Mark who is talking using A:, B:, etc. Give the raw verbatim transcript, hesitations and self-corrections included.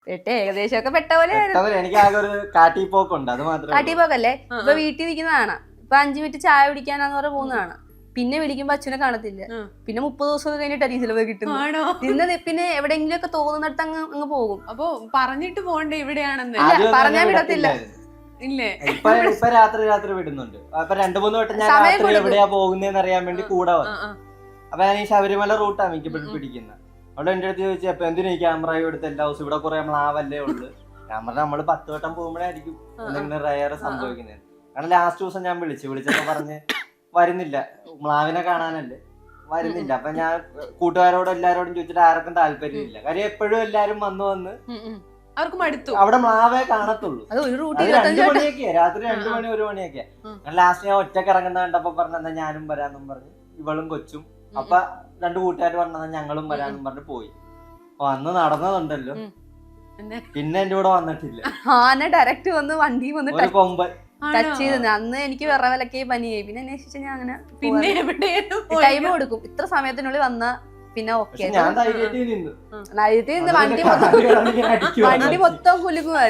A: പെട്ടെ ഏകദേശം ഒക്കെ പെട്ട പോലെ
B: എനിക്ക് ആകെ ഒരു കാട്ടിപ്പോക്കുണ്ട്, അത് മാത്രമേ.
A: കാട്ടിപ്പോക്കല്ലേ? ഇപ്പൊ വീട്ടിൽ നിൽക്കുന്നതാണ്, ഇപ്പൊ അഞ്ചു മിനിറ്റ് ചായ കുടിക്കാനാന്ന് പറഞ്ഞ പോകുന്നതാണ്. പിന്നെ വിളിക്കുമ്പോ അച്ഛനെ കാണത്തില്ല. പിന്നെ മുപ്പത് ദിവസം കഴിഞ്ഞിട്ട് ഡീസൽ കിട്ടുന്നു. ഇന്ന് പിന്നെ എവിടെയെങ്കിലും ഒക്കെ തോന്നുന്നിടത്ത് അങ്ങ് അങ്ങ് പോകും.
C: അപ്പൊ പറഞ്ഞിട്ട് പോണ്ടേ ഇവിടെയാണെന്ന്?
A: പറഞ്ഞാൽ വിടത്തില്ല.
C: ഇല്ലേ?
B: ഇപ്പൊ ഇപ്പൊ രാത്രി രാത്രി വിടുന്നുണ്ട്. അപ്പൊ രണ്ടു മൂന്ന് വട്ടം ഞാൻ രാത്രി എവിടെയാ പോകുന്നതെന്ന് അറിയാൻ വേണ്ടി കൂടെ വന്നു. അപ്പൊ ഞാൻ ഈ ശബരിമല റൂട്ടാണ് എനിക്ക് പിടിക്കുന്നത്. അവിടെ എന്റെ അടുത്ത് ചോദിച്ചു, അപ്പൊ എന്തിനാ ഈ ക്യാമറ എടുത്ത് എല്ലാ ദിവസം ഇവിടെ കുറെ മ്ലാവല്ലേ ഉള്ളു. ക്യാമറ നമ്മള് പത്ത് വട്ടം പോകുമ്പോഴായിരിക്കും എന്തെങ്കിലും റയർ സംഭവിക്കുന്നത്. കാരണം ലാസ്റ്റ് ദിവസം ഞാൻ വിളിച്ചു വിളിച്ചപ്പോ പറഞ്ഞ് വരുന്നില്ല, മ്ലാവിനെ കാണാനല്ലേ വരുന്നില്ല. അപ്പൊ ഞാൻ കൂട്ടുകാരോടും എല്ലാരോടും ചോദിച്ചിട്ട് ആർക്കും താല്പര്യമില്ല. കാര്യം എപ്പോഴും എല്ലാരും വന്ന് വന്ന്
C: അവർക്ക് മടുത്തു.
B: അവിടെ മ്ലാവേ കാണത്തുള്ളൂ. രണ്ടു മണിയൊക്കെയാ, രാത്രി രണ്ടു മണി ഒരു മണിയൊക്കെയാ. ലാസ്റ്റ് ഞാൻ ഒറ്റക്ക് ഇറങ്ങുന്ന കണ്ടപ്പോ പറഞ്ഞ ഞാനും വരാന്നും പറഞ്ഞു, ഇവളും കൊച്ചും. അപ്പൊ രണ്ടു കൂട്ടുകാർ പറഞ്ഞ ഞങ്ങളും വരാന്നും പറഞ്ഞു പോയി. വന്ന് നടന്നതുണ്ടല്ലോ, പിന്നെ എന്റെ കൂടെ വന്നിട്ടില്ല.
A: ആന ഡയറക്റ്റ് വന്ന് വണ്ടി വന്ന്
B: ഒരു കൊമ്പൻ
A: ടച്ച് ചെയ്ത്. അന്ന് എനിക്ക് വിറവലക്കെ പനിയായി. പിന്നെ അന്വേഷിച്ച ഞാൻ അങ്ങനെ
C: പിന്നെ
A: ടൈം കൊടുക്കും. ഇത്ര സമയത്തിനുള്ളിൽ വന്ന പിന്നെ ഓക്കെ.
B: ഞാൻ ധൈര്യത്തിൽ നിന്നു.
A: വണ്ടി വണ്ടി മൊത്തം കുലുങ്ങുമായിരുന്നു.